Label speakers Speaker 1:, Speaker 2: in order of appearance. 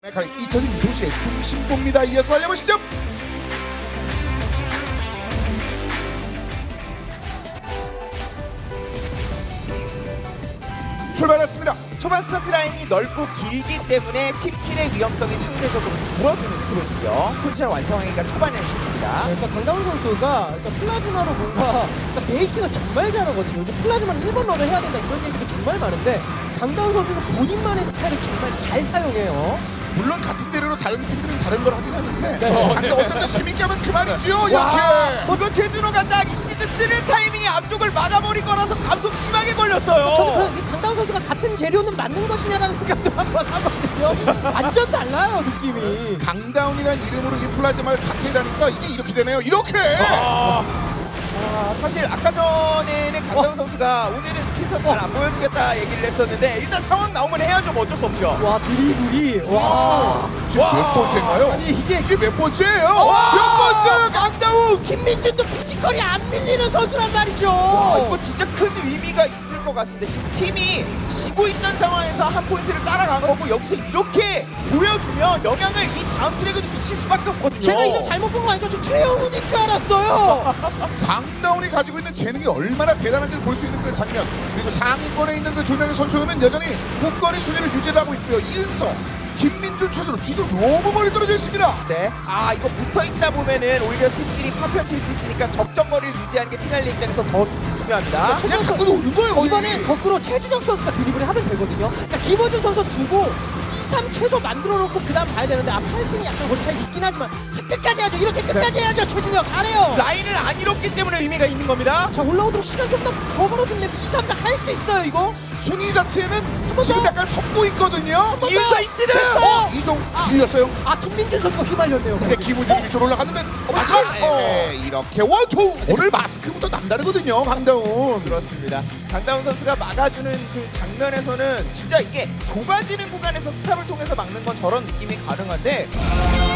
Speaker 1: 메카닉 잊혀진 도시의 중심부입니다. 이어서 알려보시죠. 출발했습니다.
Speaker 2: 초반 스타트 라인이 넓고 길기 때문에 팀킬의 위험성이 상대적으로 줄어드는 트랙이죠. 포지션 완성하기가 초반에는 쉽습니다.
Speaker 3: 그러니까 강다운 선수가 일단 플라즈마로 뭔가 베이킹을 정말 잘하거든요. 요즘 플라즈마를 1번 러너 해야 된다 이런 얘기도 정말 많은데 강다운 선수는 본인만의 스타일을 정말 잘 사용해요.
Speaker 1: 물론 같은 재료로 다른 팀들은 다른 걸 하긴 하는데 근데 어쨌든 재밌게 하면 그만이지요. 이렇게
Speaker 2: 이거 제주로 간다. 익시드 쓰는 타이밍에 앞쪽을 막아버린 거라서 감속 심하게 걸렸어요.
Speaker 3: 저는 그런 강다운 선수가 같은 재료는 맞는 것이냐라는 생각도 한번 하거든요. 완전 달라요 느낌이.
Speaker 1: 강다운이라는 이름으로 이 플라즈마를 칵테일하니까 이게 이렇게 되네요. 이렇게
Speaker 2: 사실 아까 전에는 강다운 선수가 오늘은 스피터 잘 안 보여주겠다 얘기를 했었는데 일단 상황 나오면 해야죠. 뭐 어쩔 수 없죠.
Speaker 3: 와 드리블이 와.
Speaker 1: 지금 몇 번째인가요?
Speaker 3: 아니 이게
Speaker 1: 몇 번째예요? 몇 번째예요? 강다운!
Speaker 3: 김민준도 피지컬이 안 밀리는 선수란 말이죠.
Speaker 2: 이거 진짜 큰 의미가 있을 것 같습니다. 지금 팀이 지고 있던 상황에서 한 포인트를 따라간 거고 여기서 이렇게 보여주면 영향을 이 다음 트랙에도 미칠 수밖에 없거든요.
Speaker 3: 제가 이름 잘못 본 거 아니죠? 저 최영훈인 줄 알았어요.
Speaker 1: 강다운이 가지고 있는 재능이 얼마나 대단한지를 볼 수 있는 그 장면. 그리고 상위권에 있는 그 두 명의 선수는 여전히 국권의 순위를 유지를 하고 있고요. 이은서, 김민준 최수로 뒤로 너무 멀리 떨어져 있습니다.
Speaker 2: 네. 이거 붙어 있다 보면은 오히려 팀끼리 파편 칠 수 있으니까 적정거리를 유지하는 게 피날레 입장에서 더 중요합니다.
Speaker 1: 그냥 갖고 노는 거예요. 거의.
Speaker 3: 이번에 거꾸로 최준혁 선수가 드리블을 하면 되거든요. 그러니까 김호준 선수 두고 2, 3 최소 만들어 놓고 그 다음 봐야 되는데 8등이 약간 거리 차이 있긴 하지만 끝까지 해야죠. 이렇게 끝까지 해야죠. 최준혁 잘해요.
Speaker 2: 라인을 안 잃었기 때문에 의미가 있는 겁니다.
Speaker 3: 자 올라오도록 시간 좀 더 벌어주면 2, 3, 4 할 수 있어요 이거.
Speaker 1: 순위 자체는
Speaker 3: 번
Speaker 1: 지금
Speaker 3: 더.
Speaker 1: 약간 섞고 있거든요.
Speaker 2: 이은서 익시드!
Speaker 1: 이종 밀렸어요.
Speaker 3: 김민준 선수가 휘말렸네요.
Speaker 1: 근데 김우준이 위쪽으로 올라갔는데 마지막 이렇게 원투. 오늘 마스크부터 남다르거든요. 강다운.
Speaker 2: 그렇습니다. 강다운 선수가 막아주는 그 장면에서는 진짜 이게 좁아지는 구간에서 스탑을 통해서 막는 건 저런 느낌이 가능한데